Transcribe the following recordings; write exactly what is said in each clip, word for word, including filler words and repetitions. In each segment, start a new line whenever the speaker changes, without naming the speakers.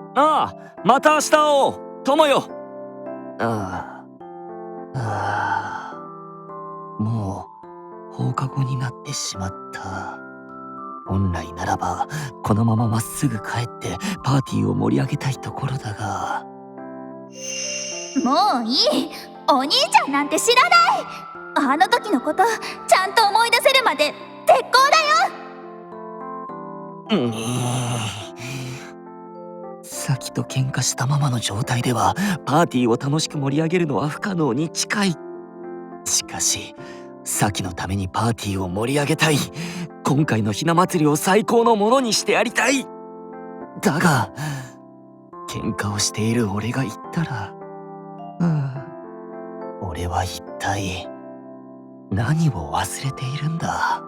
ああ、また明日会おう、友よ。ああ、ああ、もう放課後になってしまった。本来ならばこのまままっすぐ帰ってパーティーを盛り上げたいところだが。
もういい。お兄ちゃんなんて知らない。あの時のことちゃんと思い出せるまで絶好だよ。
うん、さきと喧嘩したままの状態ではパーティーを楽しく盛り上げるのは不可能に近い。しかしさきのためにパーティーを盛り上げたい。今回のひな祭りを最高のものにしてやりたい。だが喧嘩をしている俺が言ったら、うん、俺は一体何を忘れているんだ。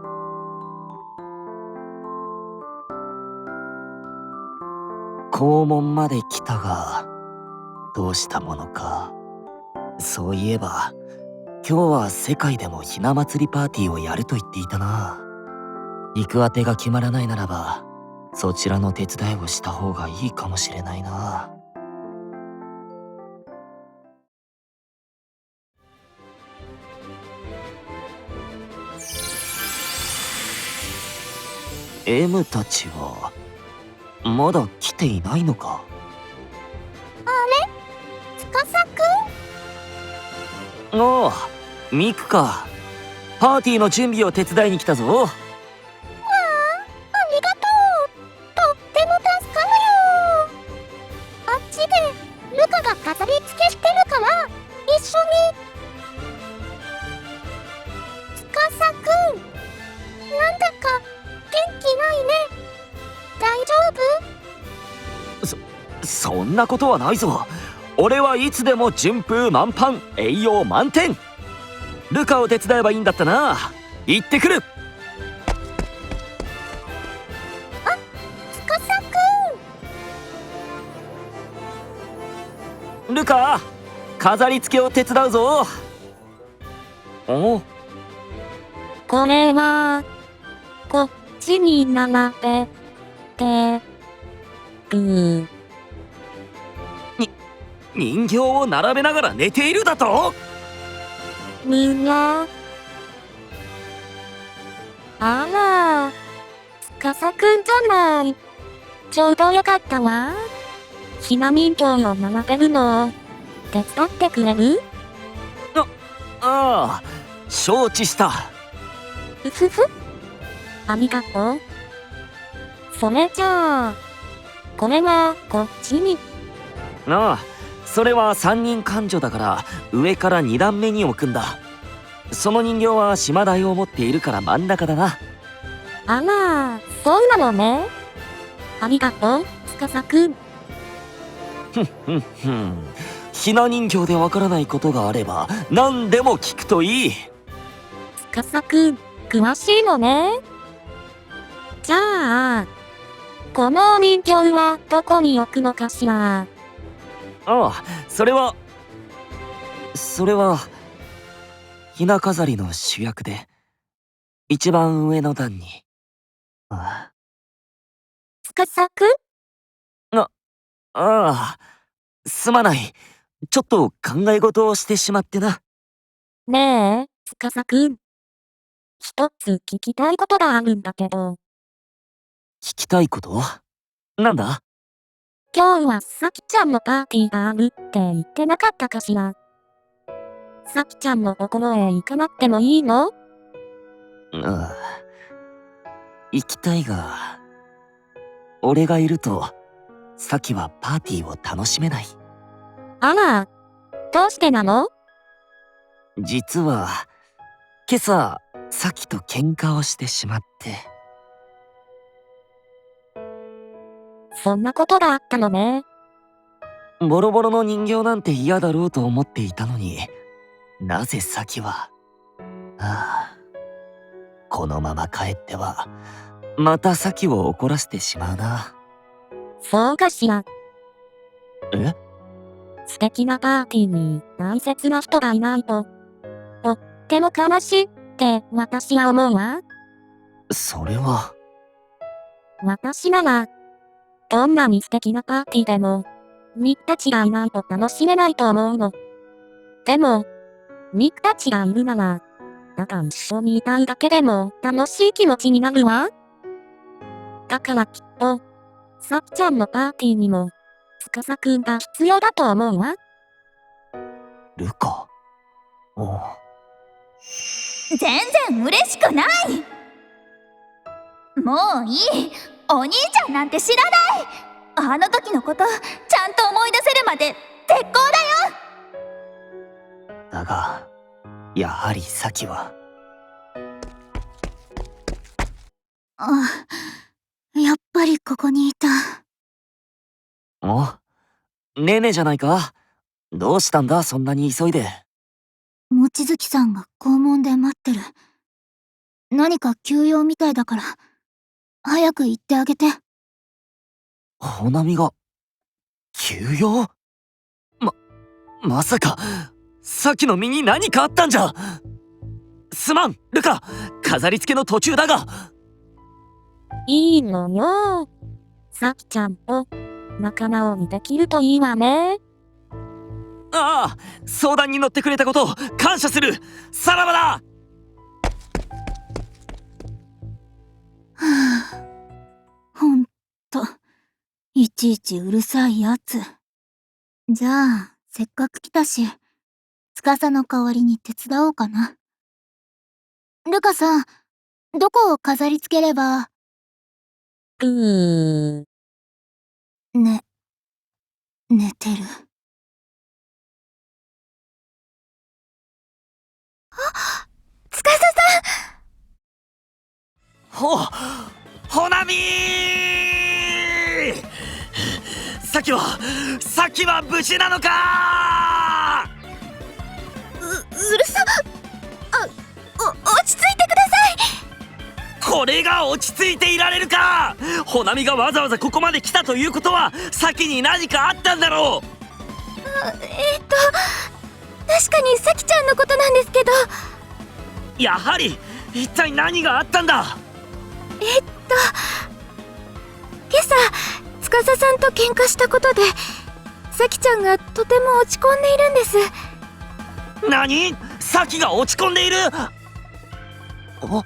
校門まで来たがどうしたものか。そういえば今日は世界でもひな祭りパーティーをやると言っていたな。行くあてが決まらないならばそちらの手伝いをした方がいいかもしれないな。M たちはまだ来ていないのか。
あれ、司くん。
おお、ミクか。パーティーの準備を手伝いに来たぞ。
わあ、ありがとう。とっても助かるよ。あっちでルカが飾り付けしてるから一緒に。司くん、なんだか元気ないね。大丈夫？
そそんなことはないぞ。俺はいつでも順風満帆、栄養満点。ルカを手伝えばいいんだったな。行ってくる。
あ、司
くん。ルカ、飾り付けを手伝うぞ。お、
これはこっちに並べてる。
人形を並べながら寝ているだと？
みんな。あら、司くんじゃない。ちょうどよかったわ。ひな人形を並べるのを手伝ってくれる？
ああ、承知した。
ふふふ。ありがとう。それじゃあこれはこっちに。
ああ、それは三人勘定だから上から二段目に置くんだ。その人形は島台を持っているから真ん中だな。
あら、そうなのね。ありがとう、司くん。
ふんふんふん。ひな人形でわからないことがあれば何でも聞くといい。
司くん、詳しいのね。じゃあこのお人形はどこに置くのかしら？
ああ、それはそれはひな飾りの主役で一番上の段に。あ
司くん？
あ、ああ、すまない。ちょっと考え事をしてしまってな。
ねえ、司くん。一つ聞きたいことがあるんだけど。
聞きたいこと？なんだ？
今日はさきちゃんのパーティーがあるって言ってなかったかしら？さきちゃんのところへ行かなくてもいいの？
ああ、行きたいが俺がいるとサキはパーティーを楽しめない。
あら、どうしてなの？
実は今朝サキと喧嘩をしてしまって。
そんなことがあったのね。
ボロボロの人形なんて嫌だろうと思っていたのになぜサキは。ああ、このまま帰ってはまたサキを怒らせてしまうな。
そうかしら。
え？
素敵なパーティーに大切な人がいないととっても悲しいって私は思うわ。
それは。
私ならどんなに素敵なパーティーでも、ミクたちがいないと楽しめないと思うの。でも、ミクたちがいるなら、ただ一緒にいたいだけでも楽しい気持ちになるわ。だからきっと、さきちゃんのパーティーにも、司くんが必要だと思うわ。
ルカ。おう。
全然嬉しくない。もういい。お兄ちゃんなんて知らない。あの時のことちゃんと思い出せるまで絶好だよ。
だがやはりサキは。
あ、やっぱりここにいた。
お、ねねじゃないか。どうしたんだそんなに急いで。
望月さんが校門で待ってる。何か急用みたいだから早く行ってあげて。
ほなみが急用？ままさかサキの身に何かあったんじゃ。すまんルカ、飾り付けの途中だが。
いいのよ。さきちゃんと仲直りできるといいわね。
ああ、相談に乗ってくれたこと感謝する。さらばだ。
はあ、ほんといちいちうるさいやつ。じゃあせっかく来たし司の代わりに手伝おうかな。ルカさん、どこを飾り付ければ。
うー
ね、寝てる。あ、司さん。
ほ、ほなみー。サキはサキは無事なのか。
う、うるさ。あ、お、落ち着いてください。
これが落ち着いていられるか。ほなみがわざわざここまで来たということはサキに何かあったんだろう。
あ、えー、っと確かにサキちゃんのことなんですけど。
やはり一体何があったんだ。
えっと今朝司さんと喧嘩したことでサキちゃんがとても落ち込んでいるんです。
何？サキが落ち込んでいる。あ、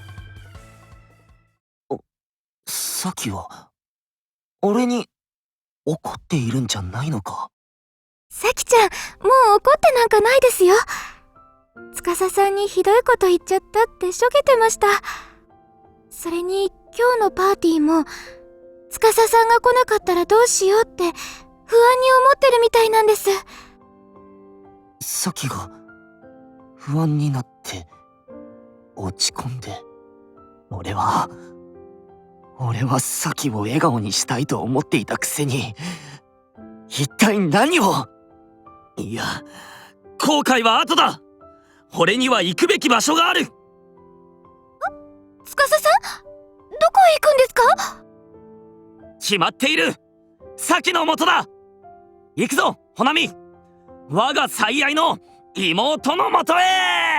サキは俺に怒っているんじゃないのか。
サキちゃん、もう怒ってなんかないですよ。司さんにひどいこと言っちゃったってしょげてました。それに今日のパーティーも司さんが来なかったらどうしようって不安に思ってるみたいなんです。
サキが不安になって落ち込んで、俺は俺はサキを笑顔にしたいと思っていたくせに一体何を。いや、後悔は後だ。俺には行くべき場所がある。
司さん、どこへ行くんですか？
決まっている。サキの元だ。行くぞほなみ、我が最愛の妹の元へ。